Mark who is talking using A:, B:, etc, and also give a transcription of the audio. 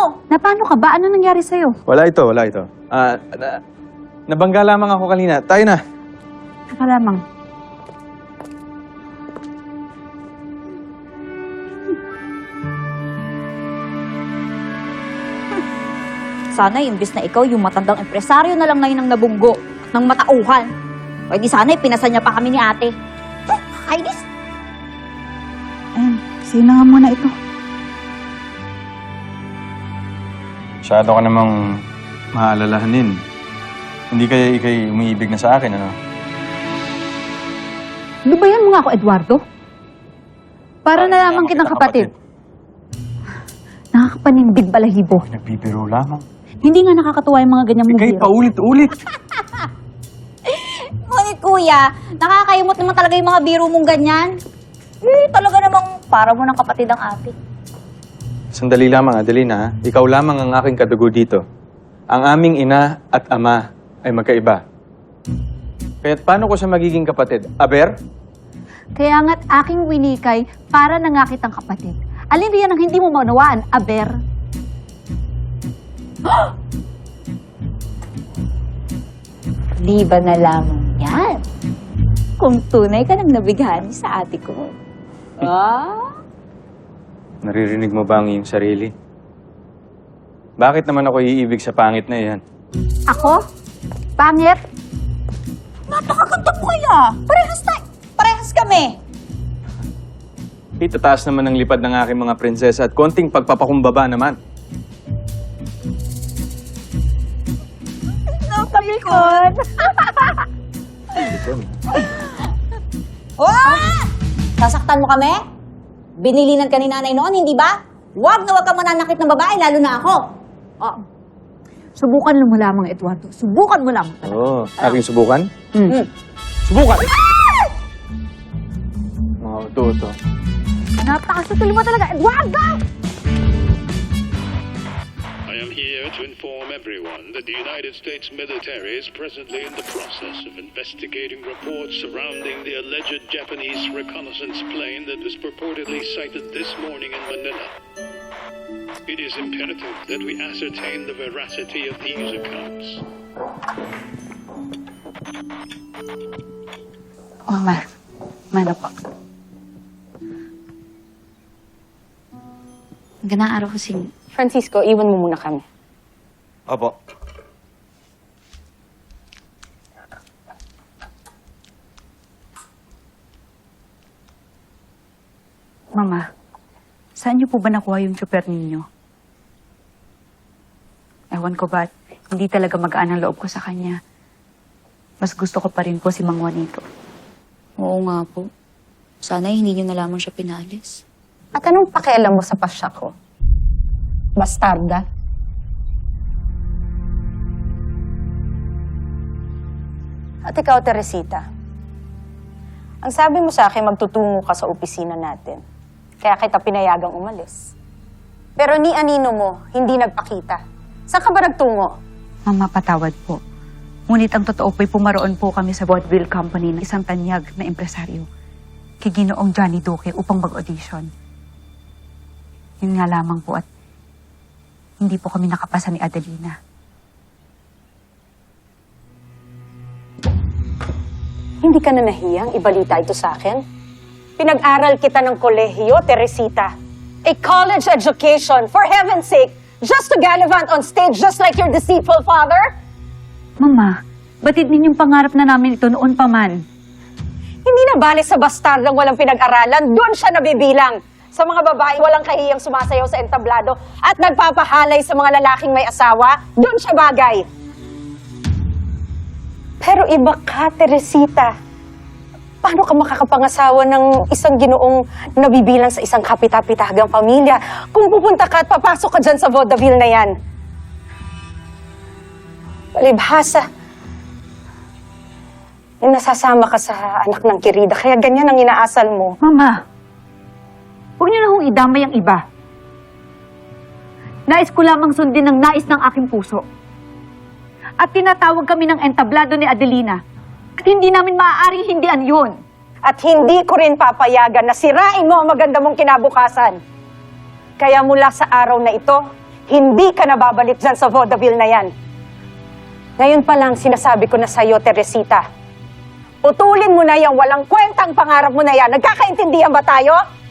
A: Na paano ka ba? Ano nangyari sa'yo?
B: Wala ito. Nabangga lamang ako kanina. Tayo na.
A: Saka lamang.
C: Sana imbis na ikaw yung matandang empresaryo na lang ngayon ang nabunggo ng matauhan. O di sana pinasa niya pa kami ni ate. Kainis!
A: Sino nga muna ito?
B: Masyado ka namang maalalahanin. Hindi kaya ikay umiibig na sa akin, ano?
A: Lubayan mo nga ako, Eduardo. Para na lamang kitang kapatid. Nakakapanindig balahibo.
B: Nagbibiro lamang.
A: Hindi nga nakakatuwa yung mga ganyang
B: Ikay
A: mubiro.
B: paulit-ulit.
C: Ngunit kuya, nakakayumot naman talaga yung mga biro mong ganyan. Talaga namang para mo ng kapatid ang ate.
B: Sandali lamang, Adelina. Ha? Ikaw lamang ang aking kadugo dito. Ang aming ina at ama ay magkaiba. Kaya't paano ko siya magiging kapatid? Aber?
A: Kaya nga't aking winikay para na nga kitang kapatid. Alin riyan ang hindi mo maunawaan, Aber?
C: Di ba na lamang yan? Kung tunay ka nang nabighani sa ate ko.
B: Naririnig mo ba ang iyong sarili? Bakit naman ako iibig sa pangit na iyan?
A: Ako? Pangit?
C: Napakaganda mo kaya! Parehas kami!
B: Itataas naman ang lipad ng aking mga prinsesa at konting pagpapakumbaba naman.
C: Napakikon! Sasaktan mo kami? Binilinan ka ni nanay noon, hindi ba? Huwag na huwag ka mananakit ng babae, lalo na ako.
A: Oh. Subukan mo lamang, Eduardo. Subukan mo lamang.
B: Oo. Aking subukan?
C: Hmm.
B: Subukan! Mga uto-uto.
A: Napakasutil mo talaga, Eduardo!
D: I am here to inform everyone that the United States military is presently in the process of investigating reports surrounding the alleged Japanese reconnaissance plane that was purportedly sighted this morning in Manila. It is imperative that we ascertain the veracity of these accounts.
A: Mano po.
E: Magandang araw ko, Sing.
F: Francisco, iwan mo muna kami.
B: Opo.
E: Mama, saan niyo po ba nakuha yung super ninyo? Ewan ko ba, hindi talaga magaan ang loob ko sa kanya. Mas gusto ko pa rin po si Mang Juanito.
C: Oo nga po. Sana hindi niyo na lamang siya pinalis.
F: At anong pakialam mo sa pasya ko? Bastarda? At ikaw, Teresita, ang sabi mo sa akin, magtutungo ka sa opisina natin. Kaya kita pinayagang umalis. Pero ni Anino mo, hindi nagpakita. Saan ka ba nagtungo?
E: Mama, patawad po. Ngunit ang totoo po'y pumaroon po kami sa vaudeville company ng isang tanyag na empresaryo. Kay Ginoong Johnny Duque upang mag-audition. Yun nga lamang po at hindi po kami nakapasa ni Adelina.
F: Hindi ka na nahiyang ibalita ito sa akin? Pinag-aral kita ng kolehiyo, Teresita. A college education, for heaven's sake, just to gallivant on stage just like your deceitful father?
E: Mama, batid ninyong pangarap na namin ito noon pa man.
F: Hindi na bale sa bastardang walang pinag-aralan, doon siya nabibilang. Sa mga babae walang kahiyang sumasayaw sa entablado at nagpapahalay sa mga lalaking may asawa, doon siya bagay. Pero iba ka, Teresita. Paano ka makakapangasawa ng isang ginoong nabibilang sa isang kapita-pitahagang pamilya kung pupunta ka at papasok ka dyan sa vaudeville na yan? Palibhasa. Yung nasasama ka sa anak ng Kirida, kaya ganyan ang inaasal mo.
E: Mama, huwag niyo na hong idamay ang iba. Nais ko lamang sundin ang nais ng aking puso. At tinatawag kami ng entablado ni Adelina. At hindi namin maaaring hindian yun.
F: At hindi ko rin papayagan na sirain mo ang maganda mong kinabukasan. Kaya mula sa araw na ito, Hindi ka na babalik dyan sa vaudeville na yan. Ngayon pa lang sinasabi ko na sa'yo, Teresita. Putulin mo na yung walang kwentang pangarap mo na yan. Nagkakaintindihan ba tayo?